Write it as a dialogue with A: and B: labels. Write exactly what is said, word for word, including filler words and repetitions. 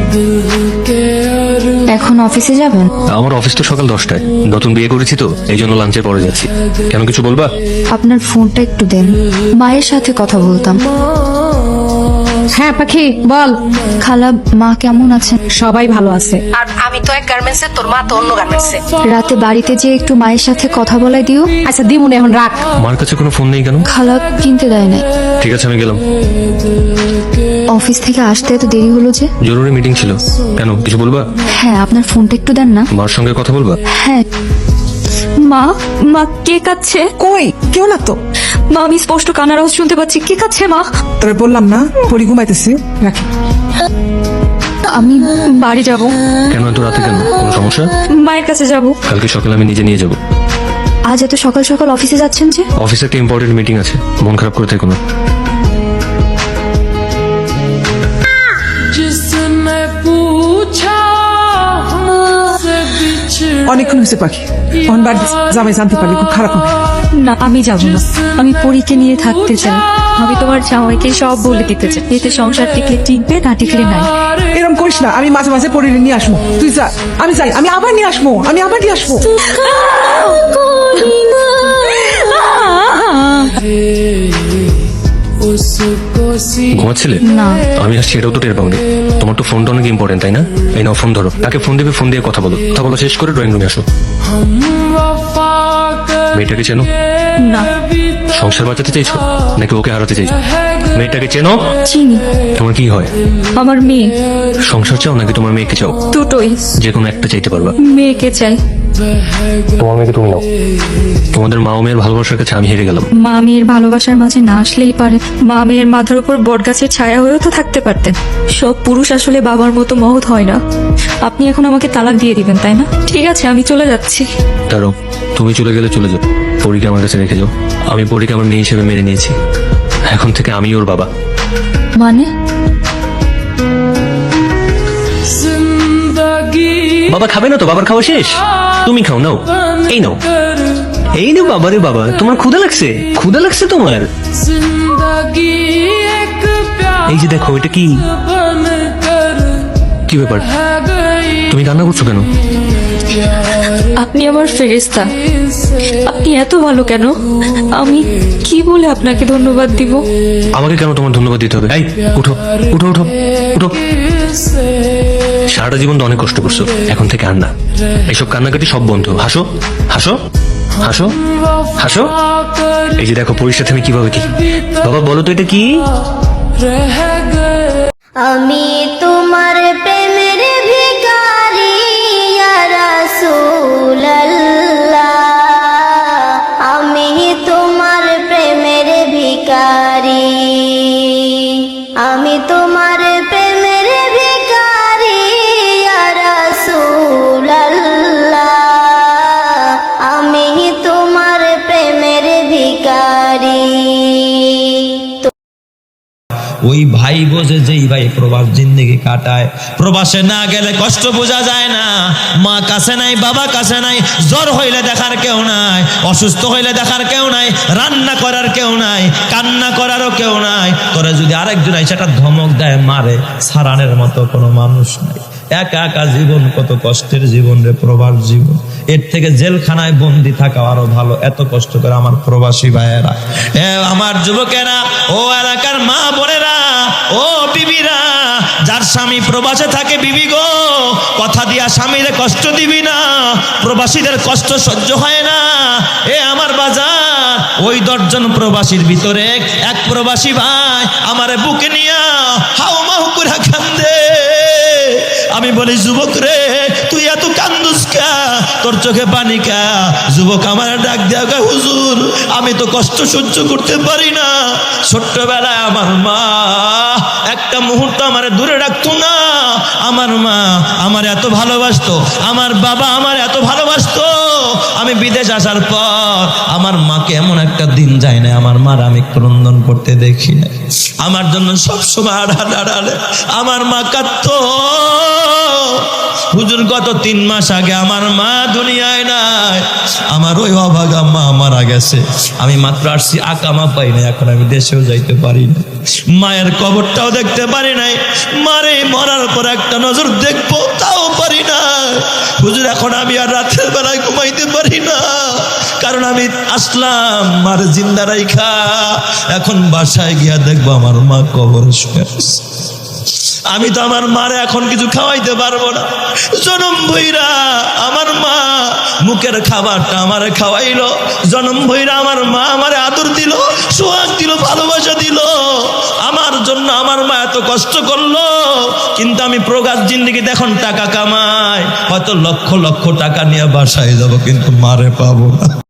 A: এখন অফিসে যাবেন?
B: আমার অফিস তো সকাল দশটায়, নতুন বিয়ে করেছি তো এই জন্য লাঞ্চের পরে যাচ্ছি। কেন, কিছু বলবা?
A: আপনার ফোনটা একটু দেন, মায়ের সাথে কথা বলতাম।
C: হ্যাঁ পাখি বল।
A: খালা, মা কেমন আছেন?
C: সবাই ভালো আছে। আর আমি তো এক গার্মেন্টসে, তোর মা তো অন্য গার্মেন্টসে।
A: রাতে বাড়িতে যে একটু মায়ের সাথে কথা বলাই দিও।
C: আচ্ছা দিমুন, এখন রাখ।
B: মার কাছে কোনো ফোন নেই কেন?
A: খালা কিনতে দেয় নাই।
B: ঠিক আছে, আমি গেলাম।
A: অফিস থেকে আসতে এত দেরি হলো যে?
B: জরুরি মিটিং ছিল। কেন, কিছু বলবা?
A: হ্যাঁ, আপনার ফোনটা একটু দেন না।
B: মার সঙ্গে কথা বলবা?
A: হ্যাঁ। মা, মা কে কাচ্ছে?
D: কই কেউ না তো।
A: মা, আমি স্পষ্ট কান্নার আওয়াজ শুনতে পাচ্ছি। কে কাচ্ছে মা?
D: তবে বললাম না পরি ঘুমাইতেছি, রাখি।
A: আমি বাড়ি যাব।
B: কেন এত রাতে, কেন, কোনো সমস্যা?
A: মায়ের কাছে যাব।
B: কালকে সকালে আমি নিজে নিয়ে যাব।
A: আজ এত সকাল সকাল অফিসে যাচ্ছেন যে?
B: অফিসে একটা ইম্পর্টেন্ট মিটিং আছে, মন খারাপ করে থেকো না।
D: অনেকক্ষণ হয়েছে পাখি, অন বাড়ি জামাই জানতে পারলে খুব খারাপ হবে।
A: না, আমি যাব না। আমি পরীকে নিয়ে থাকতে চাই। আমি তোমার জামাইকে সব বলে দিতে চাই, এতে সংসার টিকলে টিকবে, না টিকলে নাই।
D: এরকম করিস না, আমি মাঝে মাঝে পরি নিয়ে আসবো। তুই যা, আমি যাই, আমি আবার নিয়ে আসবো, আমি আবার নিয়ে আসবো।
B: ঘুমাচ্ছিলে?
A: না।
B: আমি আসছি এটাও তো টের পাওনি। তোমার তো ফোনটা অনেক ইম্পর্টেন্ট, তাই না? এই নাও ফোন ধরো, তাকে ফোন দিবে, ফোন দিয়ে কথা বলো। কথা বলা শেষ করে ড্রয়িং রুমে আসো। মেয়েটাকে চেনো?
A: না।
B: সংসার বাঁচাতে চাইছো নাকি ওকে হারাতে চাইছো? মেয়েটাকে চেনো?
A: চিনি।
B: তোমার কি হয়?
A: আমার মেয়ে।
B: সংসার চাও নাকি তোমার মেয়েকে চাও?
A: দুটোই।
B: যে কোনো একটা চাইতে পারবা।
A: মেয়েকে চাই।
B: তোমার মেয়েকে তুমি নাও। তোমাদের মা ও মেয়ের ভালোবাসার কাছে আমি হেরে গেলাম।
A: মা মেয়ের ভালোবাসার মাঝে না আসলেই পারে। মা মেয়ের মাথার উপর বটগাছের ছায়া হয়েও তো থাকতে পারতেন। সব পুরুষ আসলে বাবার মতো মহৎ হয় না। আপনি এখন আমাকে তালাক দিয়ে দিবেন, তাই না? ঠিক আছে, আমি চলে যাচ্ছি।
B: দাঁড়াও, তুমি চলে গেলে চলে যাও, পরীকে আমার কাছে রেখে যাও। আমি পরীকে আমার মেয়ে হিসেবে মেনে নিয়েছি। এখন থেকে আমি ওর বাবা।
A: মানে?
B: বাবা খাবে না তো? বাবার খাওয়া শেষ? তুমি খাও, নাও, এই নাও, এই নাও। বাবা রে বাবা, তোমার ক্ষুধা লাগছে? ক্ষুধা লাগছে তোমার? এই যে দেখো, এটা কি? কি ব্যাপার, তুমি কান্না করছো কেন?
A: আপনি আমার ফেরেশতা। আপনি এত ভালো কেন? আমি কি বলে আপনাকে ধন্যবাদ দিব?
B: আমাকে কেন তোমার ধন্যবাদ দিতে হবে? এই উঠো, উঠো, উঠো, উঠো। সারাটা জীবন তো অনেক কষ্ট করছো, এখন থেকে আর না। এইসব কান্নাকাটি সব বন্ধ। হাসো, হাসো, হাসো, হাসো। এই যে দেখো পরীর সাথে আমি কিভাবে কি। বাবা বলো তো এটা কি?
E: আমি তোমার প্রেমের ভিখারি ইয়া রাসূলুল্লাহ, আমি তোমার প্রেমের ভিখারি, আমি তোমার প্রেমের ভিখারি ইয়া রাসূলুল্লাহ, আমি তোমার প্রেমের ভিখারি।
F: ওই ভাই বোঝে যেই ভাই প্রবাস জিন্দেগি কাটায়, প্রবাসে না গেলে কষ্ট বোঝা যায় না। মা কাছে নাই, বাবা কাছে নাই, জ্বর হইলে দেখার কেউ নাই, অসুস্থ হইলে দেখার কেউ নাই, রান্না করার কেউ নাই, কান্না করারও কেউ নাই। করে যদি আরেকজন সেটা ধমক দেয়, মারে, সারানের মতো কোনো মানুষ নাই। একা একা জীবন, কত কষ্টের জীবন রে প্রবাস জীবন। এর থেকে জেলখানায় বন্দি থাকা আরো ভালো। এত কষ্ট করে আমার প্রবাসী ভাইয়েরা, এ আমার যুবকেরা, ও এলাকার মা বোনেরা, ও বিবিরা, যার স্বামী প্রবাসে থাকে, বিবি গো, কথা দিয়া স্বামীরে কষ্ট দিবি না। প্রবাসীদের কষ্ট সহ্য হয় না। এ আমার বাজার, ওই দশজন প্রবাসীর ভিতরে এক প্রবাসী ভাই আমারে বুকে নিয়া হাউ মাউ করে কান্দে। আমি বলি, যুবক রে, তুই এত কান্দুস কা? তোর চোখে পানি কা? যুবক আমার ডাক দেয়া, হুজুর আমি তো কষ্ট সহ্য করতে পারি না। ছোট্টবেলায় আমার মা একটা মুহূর্ত আমার দূরে রাখতো না। আমার মা আমার এত ভালোবাসতো, আমার বাবা আমার এত ভালোবাসতো। আমি বিদেশ আসার পর আমার মাকে এমন একটা দিন যায় না আমার মার আমি ক্রন্দন করতে দেখি না। আমার জন্য সবসময় আড়ালে আড়ালে আমার মা কাঁদতো। হুজুর গত তিন মাস আগে আমার মা দুনিয়ায় নাই, আমার ওই অভাগা মা মারা গেছে, আমি মাত্র আসছি আকামা পাই না, এখন আমি দেশেও যাইতে পারি না, মায়ের কবরটাও দেখতে পারি নাই, মারে মরার পর একটা নজর দেখবো তাও পারি না। হুজুর এখন আমি আর রাতের বেলায় ঘুমাইতে পারি না, কারণ আমি আসলাম মার জিন্দা রাইখা, এখন বাসায় গিয়া দেখবো আমার মা কবরে শুয়ে আছে। আমি তো আমার মারে এখন কিছু খাওয়াইতে পারবো না। জনম ভইরা আমার মা মুখের খাবারটা আমারে খাওয়াইলো, জনম ভইরা আমার মা আমারে আদর দিল, সোহাগ দিল, ভালোবাসা দিল। আমার জন্য আমার মা এত কষ্ট করলো, কিন্তু আমি প্রকাশ জিন্দেগিতে এখন টাকা কামাই, হয়তো লক্ষ লক্ষ টাকা নিয়ে বাসায় যাব, কিন্তু মারে পাবো না।